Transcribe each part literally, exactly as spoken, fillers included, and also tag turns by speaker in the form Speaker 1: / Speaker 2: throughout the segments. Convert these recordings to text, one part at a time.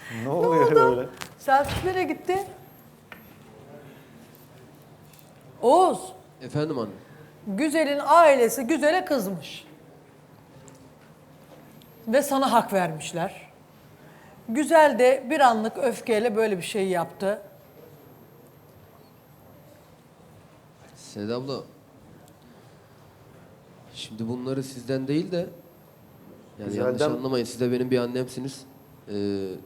Speaker 1: Ne oluyor öyle?
Speaker 2: Selçuk nereye gitti? Oğuz,
Speaker 3: Efendim anne.
Speaker 2: Güzel'in ailesi Güzel'e kızmış. Ve sana hak vermişler. Güzel de bir anlık öfkeyle böyle bir şey yaptı.
Speaker 3: Seda abla. Şimdi bunları sizden değil de yani yanlış
Speaker 1: Güzelden-
Speaker 3: anlamayın, siz de benim bir annemsiniz. Ee,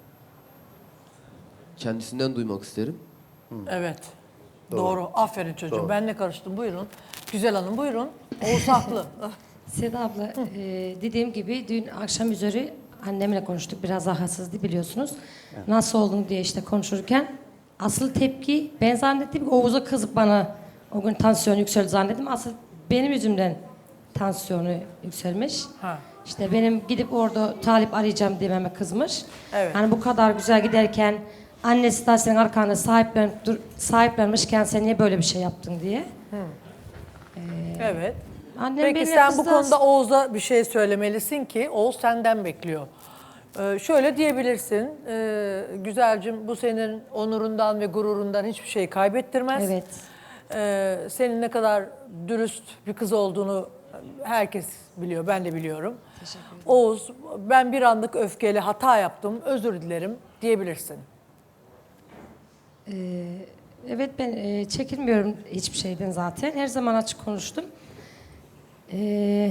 Speaker 3: kendisinden duymak isterim.
Speaker 2: Evet. Doğru. Aferin çocuğum.
Speaker 1: Doğru.
Speaker 2: Ben ne karıştım? Buyurun. Güzel Hanım buyurun. Oğuz haklı.
Speaker 4: Seda abla, e, dediğim gibi dün akşam üzeri annemle konuştuk. Biraz rahatsızdı biliyorsunuz. Nasıl olduğunu diye işte konuşurken asıl tepki ben zannettim ki Oğuz'a kızıp bana o gün tansiyon yükseldi zannettim. Asıl benim yüzümden tansiyonu yükselmiş.
Speaker 2: Ha.
Speaker 4: İşte benim gidip orada talip arayacağım dememe kızmış.
Speaker 2: Evet.
Speaker 4: Hani bu kadar güzel giderken annesi de senin arkanda sahiplen, dur, sahiplenmişken sen niye böyle bir şey yaptın diye.
Speaker 2: Evet.
Speaker 4: Annem
Speaker 2: Peki
Speaker 4: benimle
Speaker 2: sen bu
Speaker 4: kızdı.
Speaker 2: konuda Oğuz'a bir şey söylemelisin ki Oğuz senden bekliyor. Ee, şöyle diyebilirsin. E, Güzelcim bu senin onurundan ve gururundan hiçbir şey kaybettirmez.
Speaker 4: Evet.
Speaker 2: Ee, senin ne kadar dürüst bir kız olduğunu herkes biliyor, ben de biliyorum. Oğuz, ben bir anlık öfkeyle hata yaptım, özür dilerim diyebilirsin.
Speaker 4: Evet ben e, çekinmiyorum hiçbir şeyden zaten. Her zaman açık konuştum. E,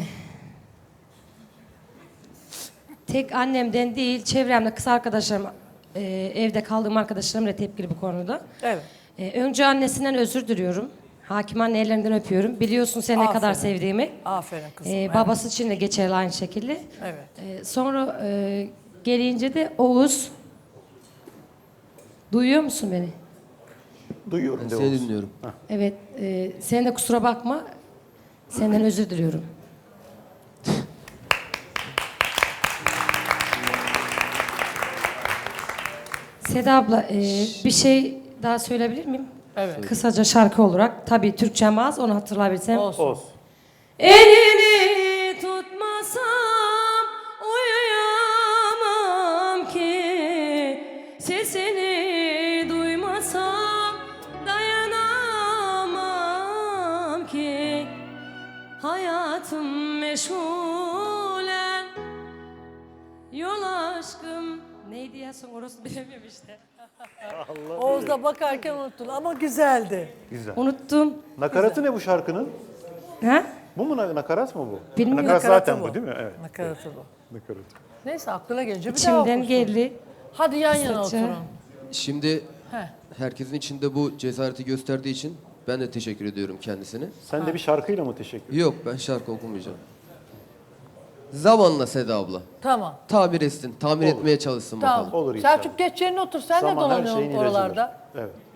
Speaker 4: tek annemden değil, çevremde kız arkadaşlarım, e, evde kaldığım arkadaşlarım da tepkili bu konuda.
Speaker 2: Evet.
Speaker 4: E, önce annesinden özür diliyorum. Hakim anne ellerinden öpüyorum. Biliyorsun seni ne
Speaker 2: Aferin.
Speaker 4: kadar sevdiğimi.
Speaker 2: Aferin kızım.
Speaker 4: E,
Speaker 2: evet.
Speaker 4: babası için de geçerli aynı şekilde.
Speaker 2: Evet.
Speaker 4: E, sonra e, gelince de Oğuz, duyuyor musun beni?
Speaker 1: Duyuyorum
Speaker 3: Ben
Speaker 1: de
Speaker 3: seni
Speaker 1: Oğuz.
Speaker 3: dinliyorum.
Speaker 4: Evet, e, sen de kusura bakma. Senden özür diliyorum. Seda abla, e, bir şey daha söyleyebilir miyim?
Speaker 2: Evet.
Speaker 4: Kısaca şarkı olarak. Tabii Türkçem az, onu hatırlayabilsem.
Speaker 2: Olsun.
Speaker 1: Oğuz.
Speaker 4: Elini tutmasam uyuyamam ki, sesini duymasam dayanamam ki, hayatım meşgulen yol aşkım. Neydi ya son orası bilemiyorum işte.
Speaker 2: Oğuz'a bakarken unuttun ama güzeldi.
Speaker 1: Güzel.
Speaker 4: Unuttum.
Speaker 1: Nakaratı ne bu şarkının?
Speaker 4: Ha?
Speaker 1: Bu mu na- nakarat mı bu?
Speaker 4: Bilmiyorum.
Speaker 1: Nakarat zaten
Speaker 2: Nakaratı
Speaker 1: bu değil mi? Evet.
Speaker 2: Nakaratı bu.
Speaker 1: Nakarat.
Speaker 2: Neyse aklına gelince bir daha
Speaker 4: İçimden
Speaker 2: okursun.
Speaker 4: geldi.
Speaker 2: Hadi yan yana
Speaker 4: Kısaca.
Speaker 2: oturun.
Speaker 3: Şimdi
Speaker 2: Heh.
Speaker 3: herkesin içinde bu cesareti gösterdiği için ben de teşekkür ediyorum kendisine.
Speaker 1: Sen de bir şarkıyla mı teşekkür
Speaker 3: Yok, ben şarkı okumayacağım. Zamanla Seda abla.
Speaker 2: Tamam.
Speaker 3: Tabir etsin, tamir
Speaker 1: Olur.
Speaker 3: etmeye çalışsın
Speaker 2: Tamam.
Speaker 3: bakalım.
Speaker 1: Olur inşallah.
Speaker 2: Selçuk geç yerine otur. Sen
Speaker 1: Zaman
Speaker 2: de
Speaker 1: her
Speaker 2: dolanıyorsun
Speaker 1: şeyin ilacıdır.
Speaker 2: oralarda.
Speaker 1: Evet.